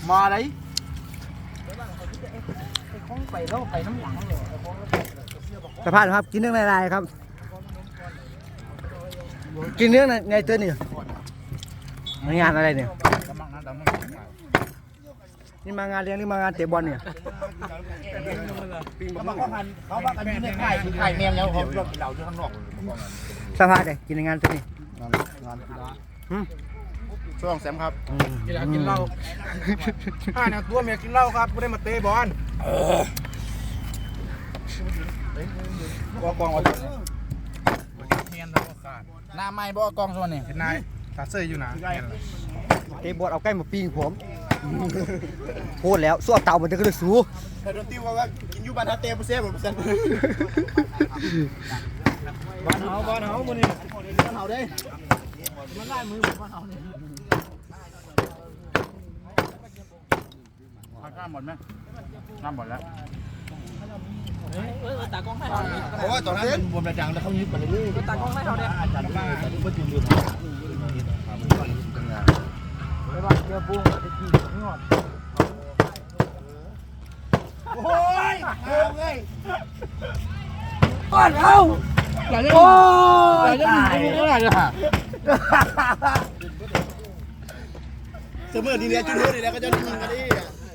มาđấyไปแล้วไปน้ำหลังเลยสภาพครับกินเรื่องอะไรครับกินเรื่องในตัวนี่งานอะไรเนี่ยนี่มางานเลี้ยงนี่มางานเตะบอลเนี่ยเขาบอกว่ากันอยู่ในไข่แมงแล้วเขาเราอยู่ข้างนอกสภาพเลยกินในงานตัวนี้งานกีฬาช่วงแซมครับกีฬากินเหล้าเนี่ยตัวเมียกินเหล้าครับไม่ได้มาเตะบอลกองเอาตัวเมียนแล้วก็ขาดหน้าไม้บ่กองส่วนนี่นายตาเซ่อยู่นะเตะบอลเอาใกล้มาปีงผมพูดแล้วสู้เต่ามันจะกระสู้แต่โดนติ้วว่ากินอยู่บ้านเตะผู้เซ่ผมเซ่บ้านเฮาคนนี้บ้านเฮาได้มันไล่มือบ้านเฮาเนี่ยข้ามหมดไหมข้ามหมดแล้วตากล้องให้เขาเพราะว่าตอนนั้นมันบวมระจังแล้วเขายึดมาเรื่อยๆตากล้องให้เขาเนี่ยอาจารย์ว่าแต่ที่ประจุลืมไม่ว่าเจอปุ้งจะกินไม่หมดโอ้ยเอาไงก่อนเอาโอ้ยตายอะไรเนี่ยฮะเสมอดีแล้วจุดเดือดดีแล้วก็จะยิงกันดิ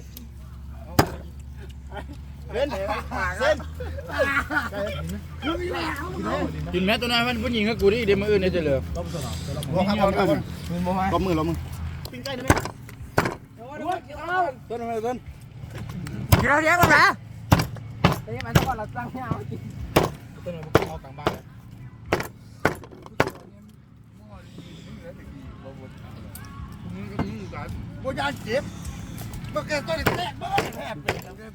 เส้นกินแม่ตัวนั้นมันผู้หญิงกับกูดิเดี๋ยวมืออื่นเนี่ยจะเหลือล้มมือปิ้งไก่ได้ไหมต้นอะไรต้นกินเราเลี้ยงกันนะเฮ้ยมันต้องเราตั้งให้เอากินต้นอะไรพวกเรากลางบ้านโบยานเจ็บเมื่อกี้ต้นแตกบ้านแทบ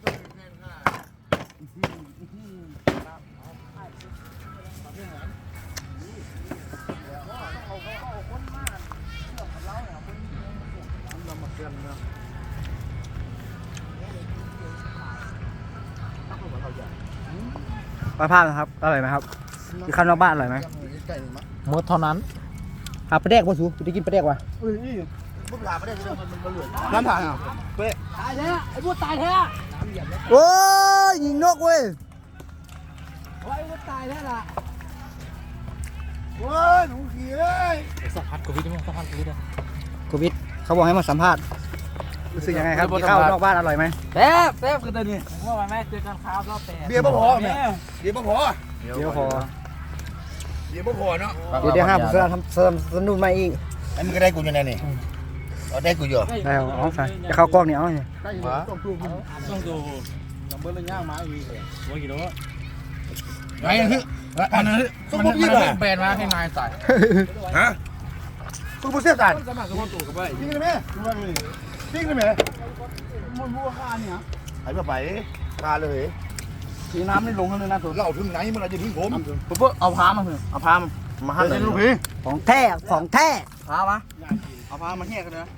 ปลาพานะครับอร่อยไหมครับที่ข้าวนอกบ้านอร่อยไหมหมดเท่านั้นหาปลาแดกป่ะสูจะกินปลาแดกวะพวกหลาไม่ได้มันเหลือน้ำถ่ายอ่ะเป๊ะตายแท้ไอ้พวกตายแท้โอ้ยยิงนกเว้ยไอ้พวกตายแท้ละโอ้ยหนูขี้เอ้ยสัมผัสโควิดมั้ยสัมผัสโควิดอ่ะโควิดเขาบอกให้มาสัมภาษณ์รู้สึกยังไงครับที่ข้าวนอกบ้านอร่อยไหมแซ่บคือตัวนี้เมื่อวานแม่เจอกันข้าวรอบแต่เบียร์บ่พอแม่เบียร์บ่พอเดี๋ยวพอเนาะเดี๋ยวห้ามเสื้อทำเสริมสนุนมาอีกไอ้มึงก็ได้กูอยู่ไหนนี่เอาได้กูอยู่ได้เอาใส่จะเข้ากล้องนี่เอาเนี่ยต้องดูน้ำเบอร์เลยย่างมาอีกว่ากี่โลไงฮึอันนั้นซุปเปอร์ยี่ห้อแบรนด์มาให้นายใส่ฮะซุปเปอร์เสียบใส่ปิ้งได้ไหมปิ้งได้ไหมมันบัวข้าเนี่ยหายไปข้าเลยสีน้ำไม่ลงเลยนะตัวเราถึงไหนเมื่อไรจะทิ้งผมเพื่อเอาพามามาหั่นเลยลูกพี่ของแท้พามาเอาพามาแยกกันนะ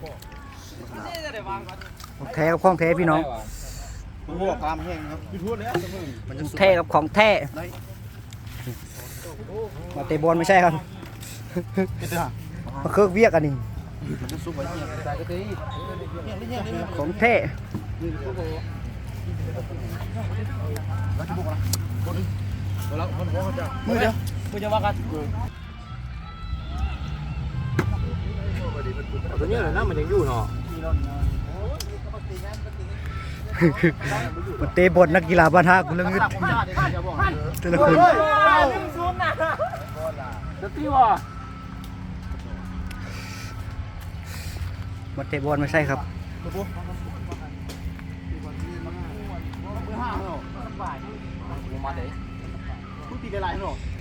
ของแท้กับของแท้พี่น้องมันพวกพามาแยกครับพี่ทั่วเลยมันจะแท้กับของแท้มาเตะบอลไม่ใช่ครับมาเคิร์กเวียกอันนี้ของแท้มือเดียวมือจะว่ากันตัวนี้เลยนะมันยังอยู่เนาะมาเตะบอลนักกีฬาบ้านท่าคุณเรื่องเงินแต่ละคนมาเตะบอลไม่ใช่ครับมาเด้พูดตีกันไรเนาะ